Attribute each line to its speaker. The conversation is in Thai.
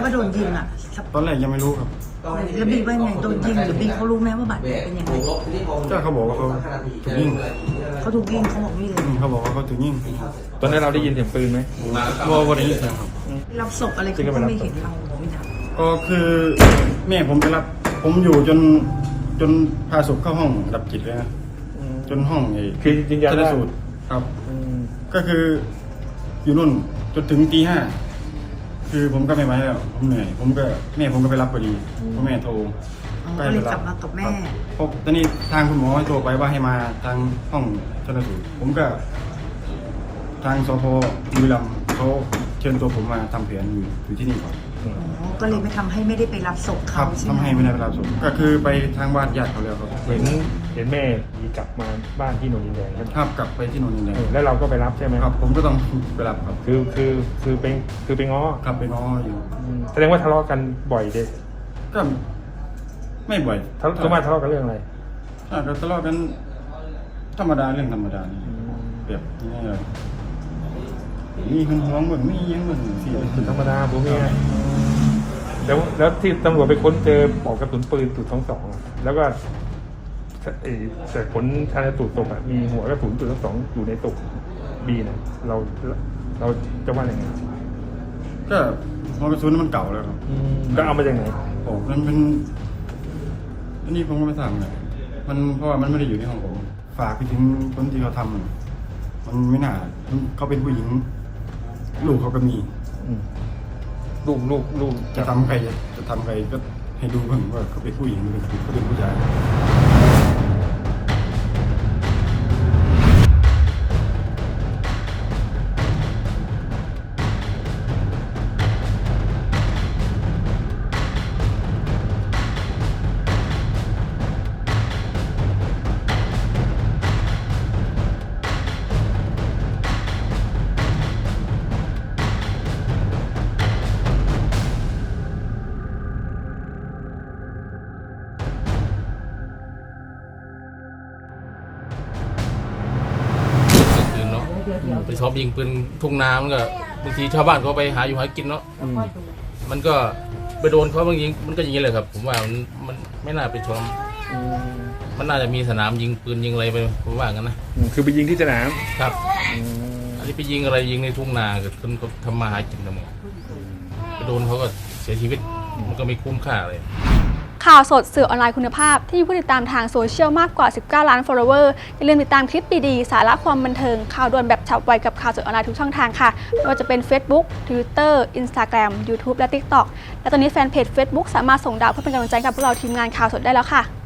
Speaker 1: ว่าโดนยิงอ่ะ
Speaker 2: ตอนแรกยังไม่รู้ครับ
Speaker 1: แล้วบีว่าไงโดนยิงหรือบีเขารู้ไหมว่าบาดแผลเป็นยังไง
Speaker 2: ก็เขาบอกว่าเขาถูกยิง
Speaker 1: เขาถูกยิงเขาบอกนี่เลย
Speaker 2: เขาบอกว่าเขาถูกยิง
Speaker 3: ตอนนั้นเราได้ยินเสียงปืนไหม
Speaker 2: ว่าได้ยินเสียงครับ
Speaker 1: รับศพอะไรเขาก็ไม่เห็นเราไม่ทำ
Speaker 2: ก็คือแม่ผมไปรับผมอยู่จนพาศพเข้าห้องดับจิตเลยนะจนห้อง
Speaker 3: คือจริงๆ
Speaker 2: ชันสูตรครับก็คืออยู่นู่นจนถึงตี 5คือผมก็ไม่ไหวแล้วผมเหนื่อยแม่ผมก็ไปรับพอดีเพราะแม่โทร
Speaker 1: ก็เลยกลับมากับแม่
Speaker 2: เพราะตอนนี้ทางคุณหมอโทรไปว่าให้มาทางห้องชันสูตรผมก็ทางสพบุรีรัมย์เขาเชิญตัวผมมาทำแผนอยู่ที่นี่ก่อน
Speaker 1: ก็เลยไม่ได้ไปรับศพเขาใช่ไหม
Speaker 2: ทำให้ไม่ได้ไปรับศพก็คือไปทางบ้านญาติเขาแล้วครับ
Speaker 3: เห็นแม่กลับมาบ้านที่โนนดินแดง
Speaker 2: ครับกลับไปที่โนนดินแดง
Speaker 3: แล้วเราก็ไปรับใช่ไหม
Speaker 2: ครับผมก็ต้องไปรับครับ
Speaker 3: คือไปง้อ
Speaker 2: ครับไปง้ออยู่
Speaker 3: แสดงว่าทะเลาะกันบ่อยเด็
Speaker 2: ก็ไม่บ่อย
Speaker 3: ทะเลาะกันเรื่องอะไร
Speaker 2: ก็ทะเลาะกันธรรมดาเรื่องธรรมดานี่แบบนี้เลยมีคนท้องเหมือนมียังเหมือน
Speaker 3: สี่ธรรมดาผมมีไงแล้วที่ตำรวจไปค้นเจอปลอกกระสุนปืน.22แล้วก็แต่ผลชันสูตรศพมีหัวกระสุน.22อยู่ในศพบีนะเราจะว่าอย่างไง
Speaker 2: ก็หัวกระสุนมันเก่าแล้วครับ
Speaker 3: ก็เอามาจากไหน
Speaker 2: โอ้มันเป็นอันนี้ผมก็ไม่ทราบเลยมันเพราะว่ามันไม่ได้อยู่ในห้องผมฝากไปถึงคนที่เขาทำมันไม่น่าเขาเป็นผู้หญิงลูกเขาก็มี
Speaker 3: ลูก
Speaker 2: จะทำใครก็ให้ดูเพิ่งว่าเขาเป็นผู้หญิงหรือเขาเป็นผู้ชาย
Speaker 4: ไปชอบยิงปืนทุ่งนามันก็บางทีชาวบ้านเขาไปหาอยู่หากินเนาะมันก็ไปโดนเขาบางยิงมันก็อย่างนี้เลยครับผมว่ามันไม่น่าไปชมมันน่าจะมีสนามยิงปืนยิงอะไรไปผมว่ากันนะ
Speaker 3: คือไปยิงที่สนาม
Speaker 4: ครับอันนี้ไปยิงอะไรยิงในทุ่งนาเกิดคนเขาทำมาหากินทั้งหมดไปโดนเขาก็เสียชีวิตมันก็ไม่คุ้มค่าเลย
Speaker 5: ข่าวสดสื่อออนไลน์คุณภาพที่มีผู้ติดตามทางโซเชียลมากกว่า19ล้าน follower อย่าลืมติดตามคลิปดีๆสาระความบันเทิงข่าวด่วนแบบฉับไวกับข่าวสดออนไลน์ทุกช่องทางค่ะไม่ว่าจะเป็น Facebook Twitter Instagram YouTube และ TikTok และตอนนี้แฟนเพจ Facebook สามารถส่งดาวเพื่อเป็นกำลังใจกับพวกเราทีมงานข่าวสดได้แล้วค่ะ